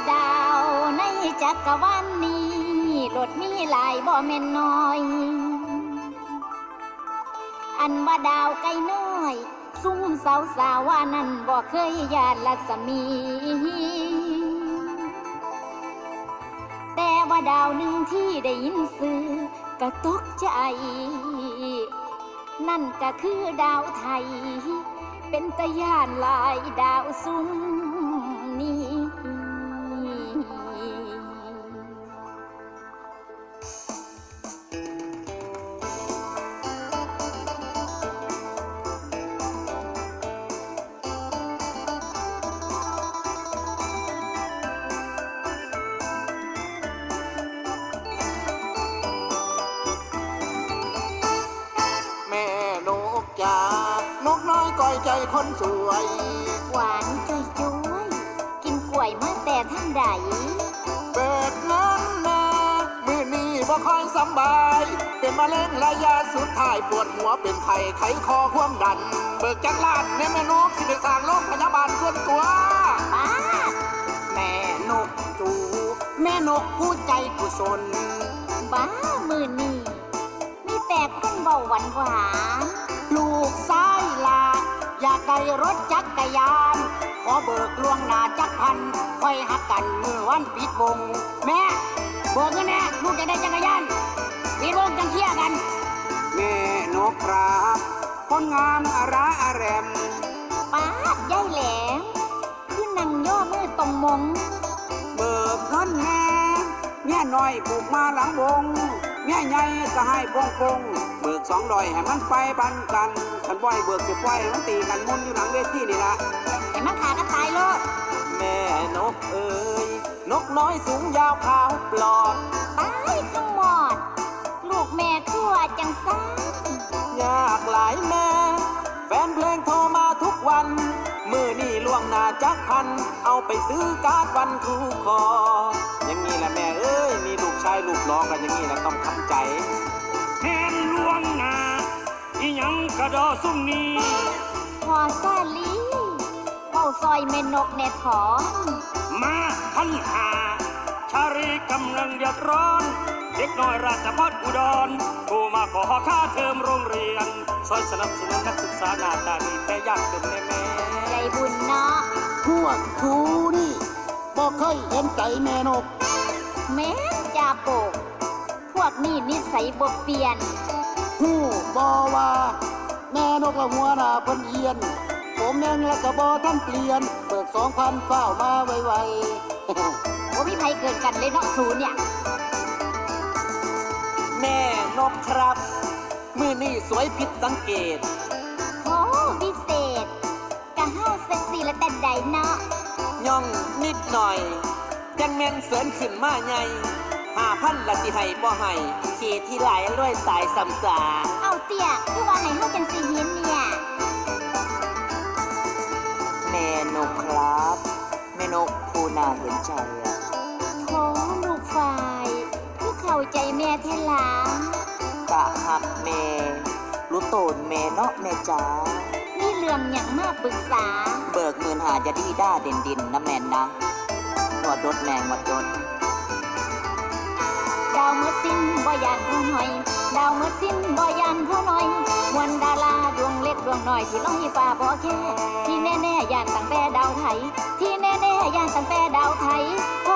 ดาวในจักรวาลนี้รถมีหลายบ่แม่นน้อย อันว่าดาวไกลน้อยซุ่มสาวสาวว่านั้นบ่เคยญาติรัศมี แต่ว่าดาวหนึ่งที่ได้ยินสื่อก็ตกใจ นั่นก็คือดาวไทย เป็นตะย่านหลายดาวซุ่มนี้แม่นกจ๋านกน้อยก้อยใจคนสวยหวานจุยจุยกินกล้วยมาแต่ท่านใดเบิกเงินแม่มือนี้บ่ค่อยสำบาย เป็นมะเร็งระยะสุดท้ายปวดหัวเป็นไข้ไขคอความดัน เบิกจักรลาดแม่นกสิไปสร้างโรงพยาบาลส่วนตัวป้าแม่นกจูแม่นกผู้ใจกุศลบ้ามือนี่มีแต่คนเบาหวานหวานลูกซ้ายลาอยากได้รถจักรยาน ขอเบิกล่วงหน้าจักพันค่อยหักกันเมื่อวันปิดวง แม่เบิกเงินแน่ลูกจะได้จักรยานปิดวงจังเที่ยกัน แม่นกครับคนงามอาระอาแรมป้าใหญ่แหลมคือนั่งย่อมือตรงมงเบิกเงินแน่แม่น้อยปลูกมาหลังวงแม่ใหญ่ก็ให้ปงปงเบิก200ให้มันไปบันกันคันบ่อยเบิกสิปล่อยให้มันตีกันมุนอยู่หลังเวทีนี่ละแต่มันขากันตายโลดแม่นกเอ๋ยนกน้อยสูงยาวขาวปลอดตายทั้งหมด ลูกแม่คือว่าจังซ่ายากหลายแม่ แฟนเพลงโทรมาทุกวัน มือนี่ล่วงหน้าจักพัน เอาไปซื้อการ์ดวันครูคอ อย่างนี้แหละแม่เอ้ย มีลูกชายลูกร้องกันอย่างนี้แหละต้องทำใจแม่นลวงหน้าอีหยังกระดอซุ่มนี้พอซาลีเป้าซอยแม่นกแน่ถอนมาพันหา ชารีกำลังเดือดร้อน เด็กน้อยราชพัฒอุดรผู้มาขอค่าเทอมโรงเรียนซอยสนับสนุนนักศึกษาหน้าตาดีแต่ยากจนแม่ใจบุญเนาะพวกครูนี่บอกเคยเห็นใจแม่นกแม่นจ่าโปก พวกนี้นิสัยบ่เปลี่ยนหูบอว่าแม่นกละหัวหน้าเพิ่นเอียน ผมยังละกะบอท่านเปลี่ยน เบิก2,000เฝ้ามาไวๆว่ามีใครเกิดกันเลยเนาะศูนย์เนี่ยแม่นกครับ มือนี่สวยผิดสังเกตโอ้พิเศษกะห้าเซ็กซี่และแต่ใดเนาะย่องนิดหน่อย จังแม่นเสริญขึ้นมาใหญ่5,000ละสิให้บ่ให้ขี่ที่หลายร้อยสายสำสาเอาเตี้ยคือว่าให้เฮาจังสิเห็นเนี่ยแม่นกครับ แม่นกผู้น่าเห็นใจอะโถลูกฝ่ายคือเข้าใจแม่เทลากะหักแม่รู้โตนแม่เนาะแม่จ๋ามีเรื่องหยังมาปรึกษาเบิกเงินหาจะดีด้าเด่นดินนะแม่นนะหนวดรถแมงหมดรถดาวเมื่อสิ้นบ่ยานผู้หน่อย ดาวเมื่อสิ้นบ่ยานผู้หน่อยมวลดาราดวงเล็กดวงน้อยที่ลอยฟ้าบ่แค่ที่แน่ๆยานตั้งแต่ดาวไทย ที่แน่ๆยานตั้งแต่ดาวไทย